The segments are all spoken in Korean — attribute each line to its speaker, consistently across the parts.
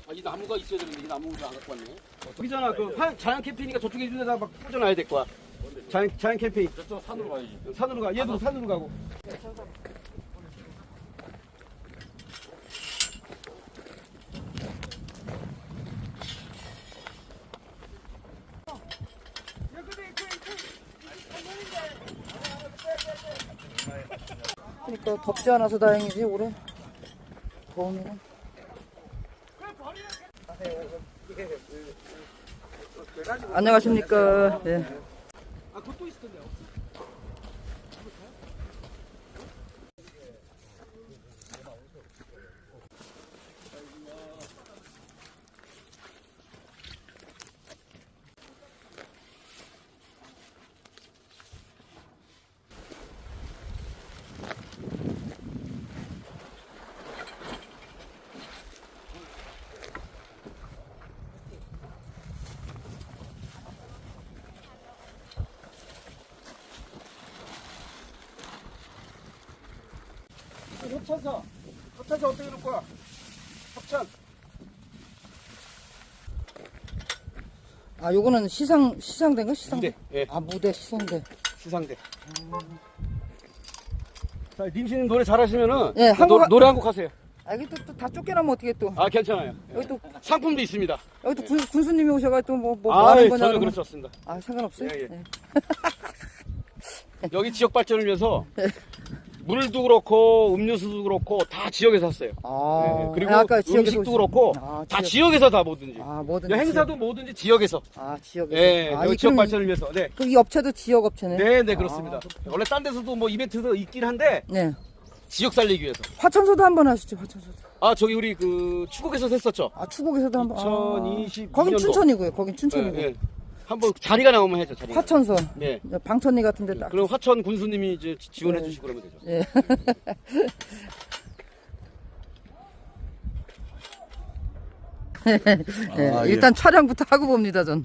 Speaker 1: 아, 이 나무가 있어야 되는데 이 나무를 안 갖고 왔네. 여기잖아. 그 자연 캠핑이니까 저쪽에 있는 데다가 막 꽂아놔야 될 거야. 자연 캠핑.
Speaker 2: 저쪽 산으로 가야지.
Speaker 1: 산으로 가. 얘도 산으로 가고.
Speaker 3: 그러니까 덥지 않아서 다행이지 올해 더우면. 안녕하십니까. 예.
Speaker 1: 아, 그것도 있을 텐데요. 협찬사 어떻게 놓을 거야? 협찬.
Speaker 3: 아 요거는 시상대인가?
Speaker 1: 무대. 예.
Speaker 3: 아 무대 시상대.
Speaker 1: 시상대. 자, 님씨님 노래 잘하시면은
Speaker 3: 예,
Speaker 1: 노래 한 곡 하세요.
Speaker 3: 아 이게 또 다 쫓겨나면 어떻게 또.
Speaker 1: 아, 괜찮아요.
Speaker 3: 여기 또
Speaker 1: 상품도 있습니다.
Speaker 3: 여기 또 군수님이 오셔가지고 뭐
Speaker 1: 아,
Speaker 3: 하는
Speaker 1: 예,
Speaker 3: 거냐.
Speaker 1: 전혀
Speaker 3: 그러면.
Speaker 1: 그렇지 않습니다.
Speaker 3: 아 상관없어요?
Speaker 1: 예, 예.
Speaker 3: 예.
Speaker 1: 여기 지역 발전을 위해서 물도 그렇고 음료수도 그렇고 다 지역에서 샀어요.
Speaker 3: 아,
Speaker 1: 예, 그리고
Speaker 3: 아까 지역에서
Speaker 1: 음식도 그렇고
Speaker 3: 아,
Speaker 1: 다 지역에서 다 뭐든지.
Speaker 3: 아 뭐든지.
Speaker 1: 행사도 뭐든지 지역에서.
Speaker 3: 아 지역에서.
Speaker 1: 예,
Speaker 3: 아,
Speaker 1: 여기
Speaker 3: 이
Speaker 1: 지역
Speaker 3: 그럼
Speaker 1: 발전을 위해서. 네.
Speaker 3: 그럼 이 업체도 지역 업체네.
Speaker 1: 네, 네, 그렇습니다. 원래 딴 데서도 뭐 이벤트도 있긴 한데
Speaker 3: 네.
Speaker 1: 지역 살리기 위해서.
Speaker 3: 화천소도 한번 하시죠. 화천소도.
Speaker 1: 아, 저기 우리 그 추곡에서 했었죠.
Speaker 3: 아 추곡에서도 한번.
Speaker 1: 2022
Speaker 3: 거긴
Speaker 1: 년도.
Speaker 3: 춘천이고요. 거긴 춘천이고.
Speaker 1: 예, 예. 한번 자리가 나오면 해죠. 자리가.
Speaker 3: 화천서.
Speaker 1: 네.
Speaker 3: 방천리 같은데 딱.
Speaker 1: 그럼 화천 군수님이 이제 지원해
Speaker 3: 네.
Speaker 1: 주시고 그러면 되죠.
Speaker 3: 예. 예,
Speaker 2: 아, 예.
Speaker 3: 일단 촬영부터 하고 봅니다, 전.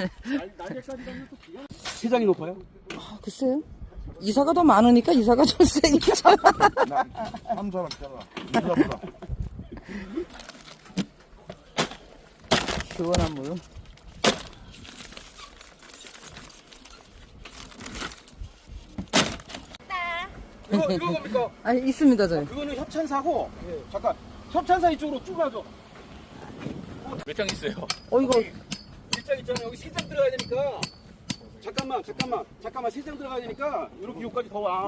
Speaker 1: 시장이 높아요?
Speaker 3: 아, 글쎄요. 이사가 더 많으니까 이사가 좀 세겠죠.
Speaker 2: 한 사람 잘라. 이사보다.
Speaker 3: 시원한 물.
Speaker 1: 이거 뭡니까?
Speaker 3: 아, 있습니다, 저희.
Speaker 1: 그거는 협찬사고. 잠깐. 협찬사 이쪽으로 쭉 가죠.
Speaker 2: 몇 장 있어요?
Speaker 3: 이거.
Speaker 1: 일장 있잖아요. 여기 3장 들어가야 되니까. 잠깐만. 3장 들어가야 되니까 이렇게 여기까지 더 와.